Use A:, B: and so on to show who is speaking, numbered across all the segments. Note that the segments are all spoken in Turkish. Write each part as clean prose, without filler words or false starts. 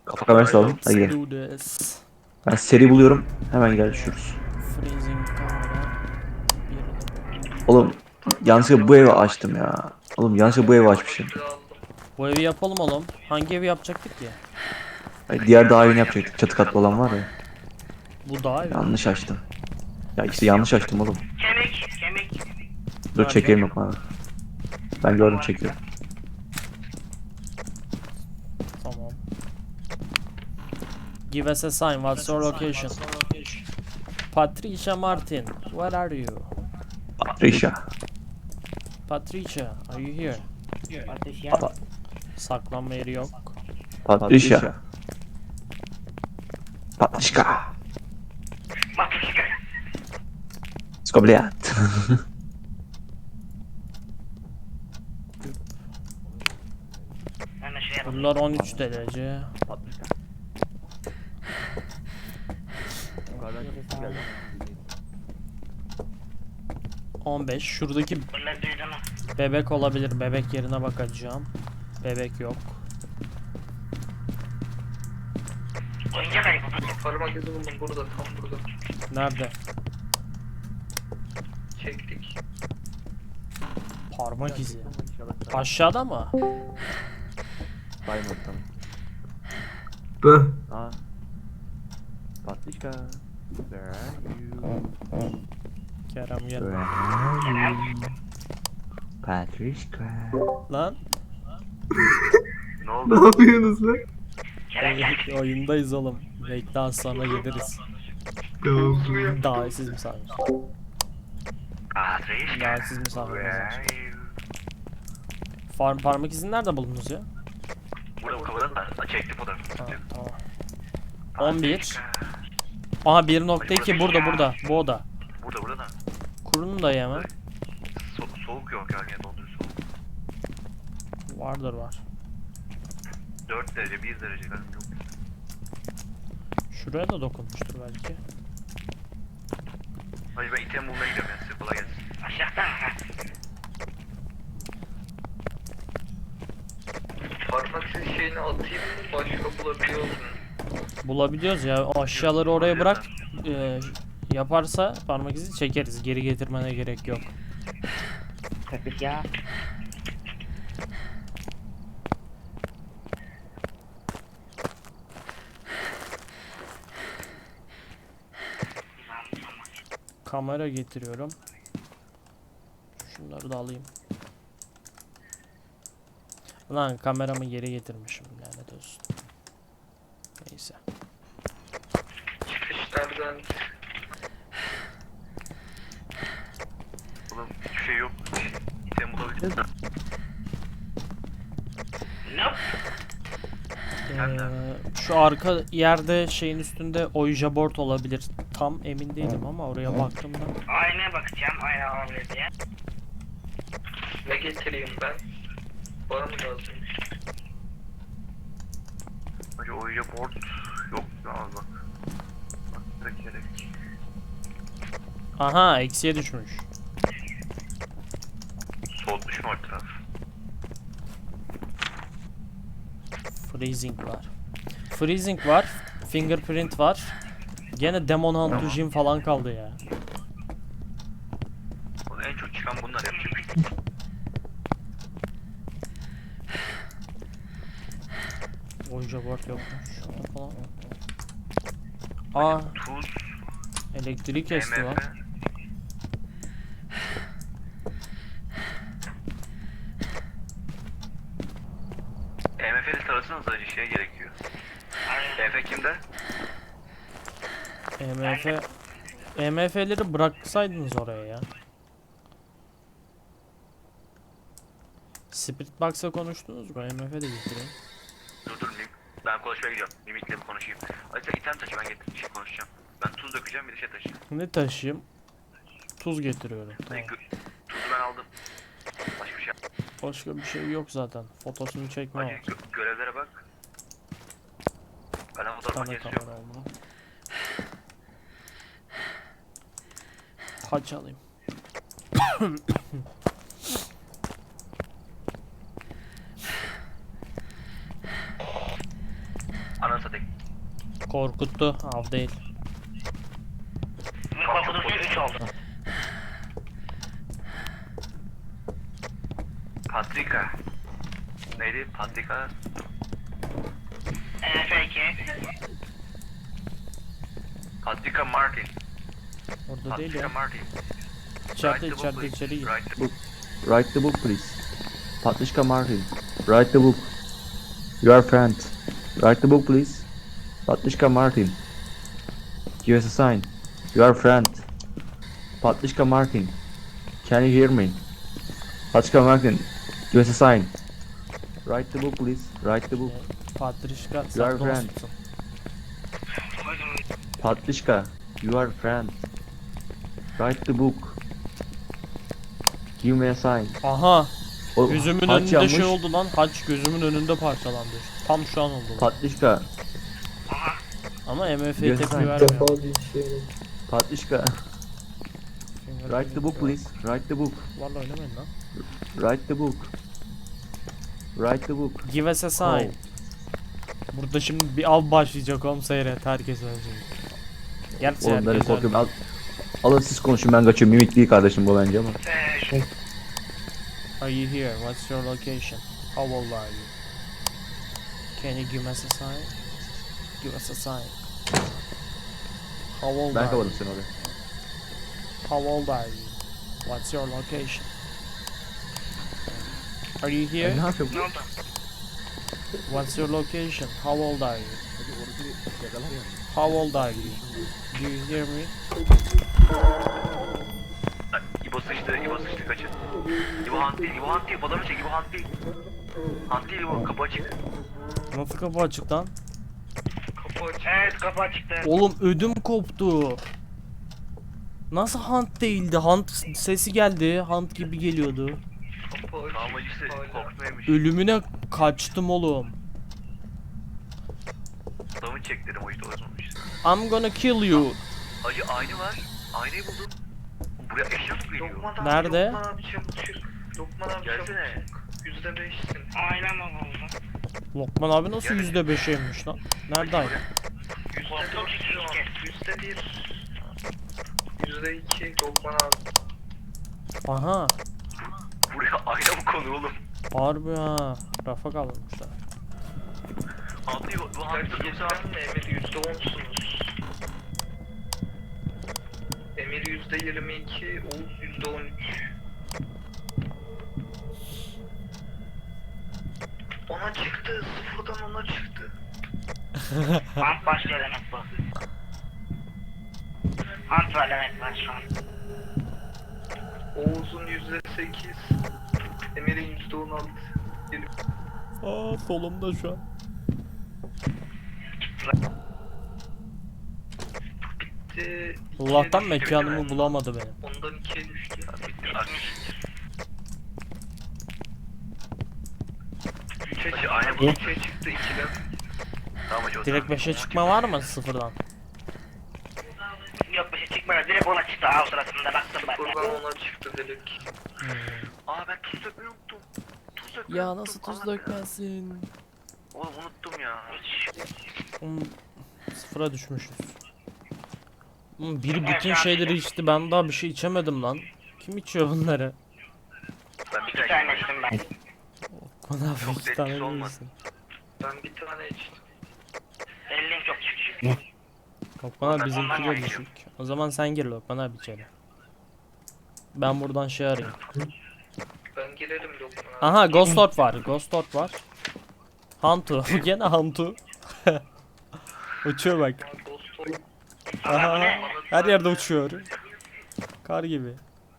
A: Kafa kamerası alalım. Hadi
B: Let's
A: gidelim.
B: do this.
A: Ben seri buluyorum. Hemen görüşürüz.
B: Freezing kamera. Birini
A: Oğlum yanlışlıkla bu evi açtım ya. Oğlum yanlışlıkla bu evi açmışım.
B: Bu evi yapalım oğlum. Hangi evi yapacaktık ki?
A: Hayır, diğer daha yeni yapacaktık. Çatı katlı olan var ya.
B: Bu daha evi.
A: Yanlış açtım. Ya işte yanlış açtım oğlum.
C: Kemik.
A: Dur
B: Nerede?
A: çekelim yok bana. Ben gördüm çekiyorum.
B: Tamam. Give us a sign. What's your location? Patricia Martin. Where are you?
A: Patricia.
B: Patricia, are you here?
A: Pa-
B: Saklanma yeri yok.
A: Patricia. Patrişka. Skobliat.
B: Bunlar 13 derece. 15. Şuradaki bebek olabilir. Bebek yerine bakacağım. Bebek yok.
C: Oyuncak ayıp.
D: Parmak izi buldum burada, tam burada.
B: Nerede?
D: Çektik.
B: Parmak izi. Aşağıda mı?
D: Bu.
A: Patrişka.
B: Kerem gel.
A: Patrişka.
B: Lan.
D: Ne yapıyorsunuz lan?
B: Oyundayız oğlum. Bekle az sonra geliriz.
D: Tamam.
B: Davetsiz misafir. Davetsiz misafir. Parmak izini nerede buldunuz ya?
C: Burada bu kafadan da çekti fotoğrafı.
B: Ha, tamam. 11. Aha 1.2 burada. Bu oda.
C: Burada da.
B: Kurun da hemen.
C: Soğuk yok yani dondurucu soğuk.
B: Var.
C: 4 derece 1 derece galiba yok.
B: Şuraya da dokunmuştur belki.
C: Hadi ben item bulmaya gidiyorum ya size kolay gelsin. Aşağıdan ha.
D: Parmak izi şeyini atayım mı? Başka bulabiliyor musun?
B: Bulabiliyoruz ya. O aşağıları oraya bırak. Yaparsa parmak izi çekeriz. Geri getirmene gerek yok.
E: Ya.
B: Kamera getiriyorum. Şunları da alayım. Lan kameramı geri getirmişim, lanet olsun. Neyse.
D: Çıkışlardan
C: Oğlum hiçbir şey yok. İtem bulabildiniz mi?
B: Şu arka yerde şeyin üstünde Ouija board olabilir. Tam emin değilim ama oraya baktığımda.
C: Aynaya bakacağım. Ayna alabilir diye.
D: ne getireyim ben? Bana mı lazım?
C: Hacı oyuncu board yok ya bak. Bak direkt gerek.
B: Aha, eksiye düşmüş.
C: Soğutmuş mu o taraf?
B: Freezing var. Fingerprint var. Gene Demon Hunt to Jim falan kaldı ya.
C: Oğlum en çok çıkan bunlar yapacak.
B: Ouija board yokmuş. Şurada falan. Aa,
C: Tuz,
B: elektrik kesti lan.
C: MF. EMF'li sarılsanız acı şey gerekiyor. EMF kimde?
B: EMF'leri bıraksaydınız oraya ya. Spirit Box'a konuştunuz mu? EMF de getireyim.
C: Dur ben konuşmaya gidiyorum. Mimikle bir konuşayım. Hadi sen item taşı ben getirip bir şey konuşacağım. Ben tuz dökeceğim bir de şey taşıyacağım.
B: Ne taşıyayım? Tuz getiriyorum.
C: Hadi
B: Tamam.
C: tuzu ben aldım. Başka bir şey.
B: Başka bir şey yok zaten. Fotosunu çekme
C: Hadi
B: var.
C: görevlere bak. Ben
B: Bir
C: fotoğraf
B: tane
C: makinesi
B: kamera
C: yok.
B: olmalı. Taç alayım.
C: Ananı satayım.
B: Korkuttu. Av değil.
E: Korkutucu 3 oldu.
C: Patrika. Neydi? Patrika.
E: F2.
C: Patrika Martin.
B: Orada değil
C: Patrika
B: ya.
C: Martin.
B: İçeride
C: Write the book,
B: içeride
C: please.
B: içeri gir.
C: Write the book.
A: Write the book please. Patrika Martin. Write the book. Your friend. Write the book please. Patrika Martin. Give us a sign. Your friend. Patrika Martin. Can you hear me? Patrika Martin. Give us a sign. Write the book please. Write the book.
B: Patrişka
A: Your
B: sen
A: friend.
B: dostsun.
A: Patrika. Your friend. Write the book. Give me a sign.
B: Aha.
A: O,
B: Gözümün
A: haç
B: önünde
A: yanmış.
B: şey oldu lan. Haç gözümün önünde parçalandı. Tam şu an oldu. Lan.
A: Patrika.
B: Ama MF'ye
A: Yes,
B: tepki
A: I'm
B: vermiyor.
A: Patrika. Write the book please. Write the book.
B: Vallahi oynamayın lan.
A: Write the book. Write the book.
B: Give us a sign. Burada şimdi bir av başlayacak oğlum, seyret. Herkes ölecek. Gerçi
A: Oğlum ben
B: herkes
A: korkuyorum.
B: öldü.
A: Alın siz konuşun, ben kaçıyorum. Mimik değil kardeşim bu bence ama.
B: Are you here? What's your location? How old are you? Can you give us a sign? Give us a sign. How old
A: Ben
B: are you?
A: kapadım seni oraya.
B: How old are you? What's your location? Are you here?
A: Ne yapıyorsun?
E: Ne oldu?
B: What's your location? How old are you? How old are you? Do you hear me?
C: Ay, İbo sıçtı kaçın. İbo hunt değil, adamı çek, İbo hunt değil. Hunt değil İbo, kapı açık.
B: Nasıl kapı açık lan?
D: Kapı açık.
E: Evet kapı açıktı.
B: Oğlum ödüm koptu. Nasıl hunt değildi? Hunt sesi geldi. Hunt gibi geliyordu.
D: Kapı açık.
C: Amacısı
D: Hala.
C: korkmaymış.
B: Ölümüne kaçtım oğlum.
C: Adamı çek dedim, o işte olmamış.
B: I'm gonna kill you.
C: Hacı aynı var. Aynayı buldum. Buraya eşya mı geliyor?
D: Lokman abi,
B: Nerede?
D: Lokman abi çabuk çık. Lokman abi
C: Gelsene.
D: çabuk çık. %5'sin.
E: Aynen o oldu.
B: Lokman abi nasıl %5'eymiş lan? Nerede ay?
D: %4 şu an. %1. %2 Lokman abi.
B: Aha.
C: Buraya ayna mı konu oğlum?
B: Harbi ha. Rafa kaldırmışlar.
C: Hunt'ı bu hunt'ı yoksa
D: Gerçekten mi Emir %10'sunuz? Emir %22, Oğuz %13. Ona çıktı, sıfırdan ona çıktı.
E: Hunt başlıyor demek bu. Hunt var demek var şu an.
D: Oğuz'un %8, Emir'in %16.
B: Aa solumda şu an.
D: Bitti.
B: Allah'tan
D: ikiye düştü.
B: mekanımı bulamadı benim.
D: Ondan 2'ye düştü.
C: Hacı ayna
D: Bu
C: buldum.
D: 3'e çıktı 2'den.
C: Tamam hacı o
B: Direkt
C: zaman.
B: 5'e çıkma var mı sıfırdan?
E: Yok bir şey çıkmadı. Direkt ona çıktı. Av sırasında baktım ben de.
D: Buradan ona çıktı direkt.
C: Aa ben tuz dökmeyi unuttum. Tuz dökmeyi
B: Ya
C: unuttum.
B: nasıl tuz
C: Allah
B: dökmezsin?
C: Oğlum unuttum ya.
B: Sıfıra düşmüşüz. Biri bütün şeyleri içti, ben daha bir şey içemedim lan. Kim içiyor bunları?
C: Ben bir
E: İki tane
C: tane
E: içtim ben.
B: Bana
C: Çok
B: bir
C: etkisi
B: tane
C: olmadı.
B: verirsin.
D: Ben bir tane içtim.
E: Elin çok düşük.
B: Lokman abi
C: Ben
B: bizimki
C: ondan
B: de
C: ayrıyım.
B: düşük. O zaman sen gir Lokman abi içeri. Ben buradan şey arayayım.
D: Ben girerim Lokman abi.
B: Aha Ghost Orb var, Ghost Orb var. Hantu, gene Hantu. Uçuyor bak.
D: Ghost Orb.
B: Aha, her yerde uçuyor. Kar gibi.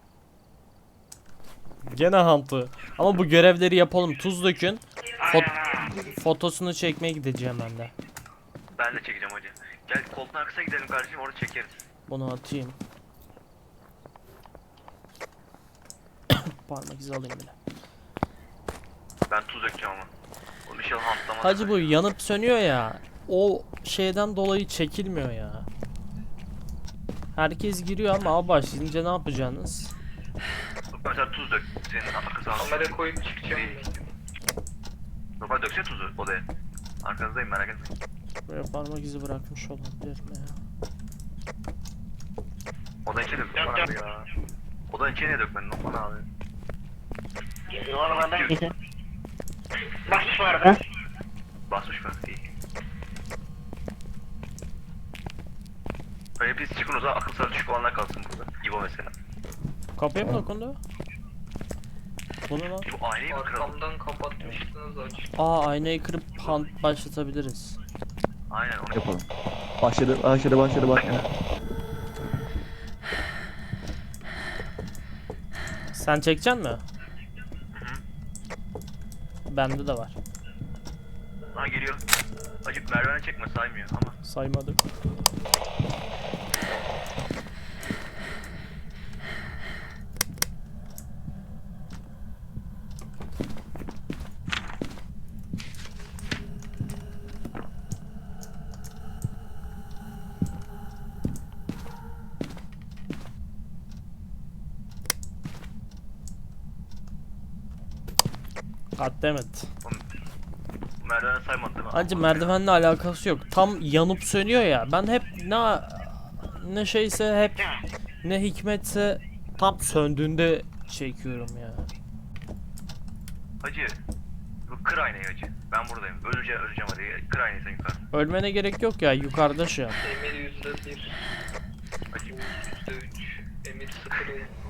B: Gene Hantu. Ama bu görevleri yapalım. Tuz dökün. Fotosunu çekmeye gideceğim ben de.
C: Ben de çekeceğim hacı. Gel koltuğun arkasına gidelim kardeşim, orada çekeriz.
B: Bunu atayım. Parmak izi alayım bile.
C: Ben tuz dökeceğim ama. O inşallah hantlamaz.
B: Hacı bu yanıp sönüyor ya. O şeyden dolayı çekilmiyor ya. Herkes giriyor ama abi başlayınca ne yapacaksınız?
C: Mesela tuz dök. Senin arkası alsın.
D: Kamera koyup çıkacağım ben.
C: Normal döksene tuzu odaya. Arkanızdayım, merak etmeyin.
B: Buraya parmak izi bırakmış olabilir mi ya?
C: Odanın içine dök bana abi ya. Odanın içine niye dökmedin lan bana abi?
E: Oralardan gidin. Basmış bu arada.
C: Basmış mı? İyi. Hani biz çıkın o zaman akıl sağlığı düşük olanlar kalsın burada. İbo mesela.
B: Kapıya mı dokundu? Bu ne lan?
C: İbo aynayı mı kıralım?
D: Arkamdan kapatmıştınız açık.
B: Aa, aynayı kırıp hunt başlatabiliriz.
C: Aynen onu
A: Yapalım. Başladı.
B: Sen çekeceksin mi? Bende de var.
C: Ha geliyor. Acık merdivene çekme saymıyor ama.
B: Saymadım. Goddammit.
C: Merdivene saymadı değil mi?
B: Bence merdivenle alakası yok. Tam yanıp sönüyor ya. Ben hep ne şeyse hep ne hikmetse tam söndüğünde çekiyorum ya.
C: Hacı. Bu kır aynayı hacı. Ben buradayım. Öleceğim hadi. Kır aynayı sen yukarı.
B: Ölmene gerek yok ya, yukarıda şey yap.
D: Emir %1.
C: Hacı.
D: %3. Emir 0.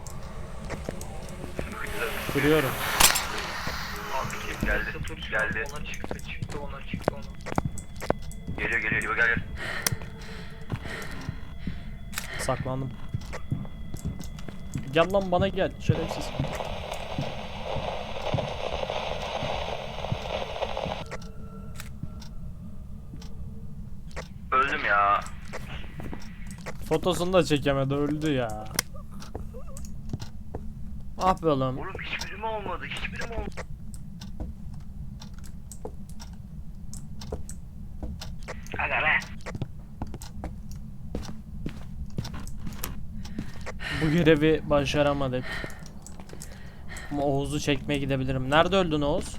B: Kırıyorum.
C: Geldi. Geldi.
D: Ona çıktı ona.
C: Geliyor İbo gel.
B: Saklandım. Gel lan, bana gel şerefsiz.
C: Öldüm ya.
B: Fotosunu da çekemedi, öldü ya. Ah be oğlum.
C: Oğlum hiçbirim olmadı.
E: Aga be.
B: Bu görevi başaramadık. Ama Oğuz'u çekmeye gidebilirim. Nerede öldün Oğuz?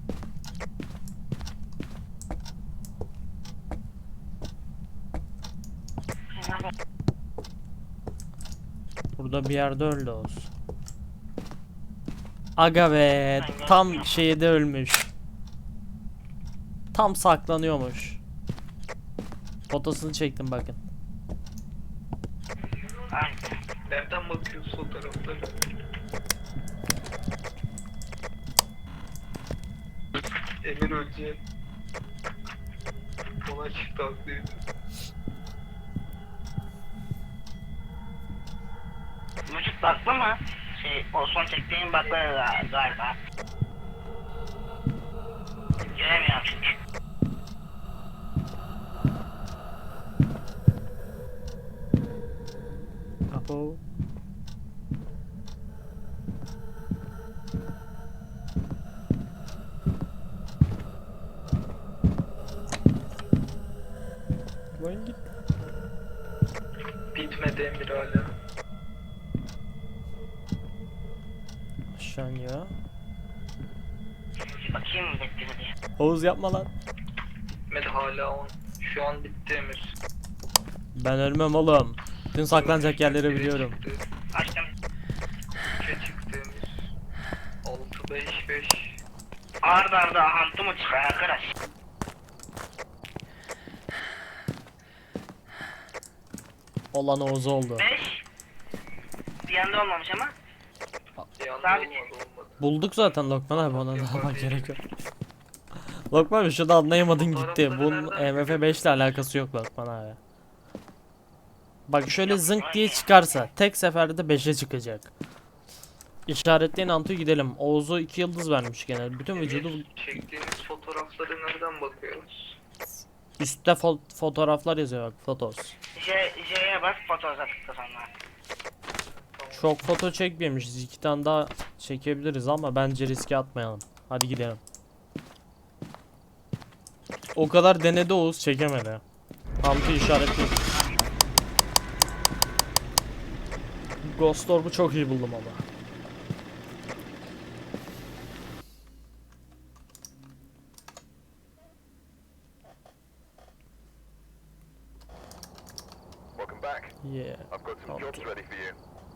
B: Burada bir yerde öldü Oğuz. Aga be, tam şeyde ölmüş. Tam saklanıyormuş. Fotosunu çektim bakın.
D: Nereden bakıyorsun fotoğraflara? Emir Öcü. Ona çıktı haklıydı.
E: Müzik baklı mı? O son çektiğin baklı galiba. Göremiyorum çünkü.
B: Apo. Lan git.
D: Bitmedi Emir hala.
B: Aşağıya.
E: Bakayım mı bitti mi diye.
B: Oğuz yapma lan.
D: Bitmedi hala 10. Şu an bitti Emir.
B: Ben ölmem oğlum. Bütün saklanacak yerleri
D: Biri
B: biliyorum.
D: çıktı.
E: Açtım.
D: 3'e çıktı Emir. 6 5 5.
E: Arda arda hantı mı çıkar arkadaş?
B: Olan Oğuz oldu.
E: 5. Bir yanda olmamış ama.
D: Yandı
E: Sabit.
D: olmadı.
B: Bulduk zaten Lokman abi, ona da almak gerek yok. Lokman abi şurada anlayamadın gitti. Bunun MF5 ile alakası yok Lokman abi. Bak şöyle zınk diye çıkarsa tek seferde 5'e çıkacak. İşaretleyin Antu'ya gidelim. Oğuz'u 2 yıldız vermiş gene. Bütün vücudu
D: Emir, çektiğimiz fotoğraflara nereden bakıyoruz?
B: üstte fotoğraflar yazıyor bak, fotos.
E: J'ye bas fotoğraf tıkla sonra.
B: Çok foto çekmemişiz. 2 tane daha çekebiliriz ama bence riske atmayalım. Hadi gidelim. O kadar denedi Oğuz, çekemedi. Antu işaretleyin. Ghost Orb'u çok iyi buldum ama.
F: welcome back.
B: Yeah.
F: I've got some jobs
B: Okay.
F: ready for you.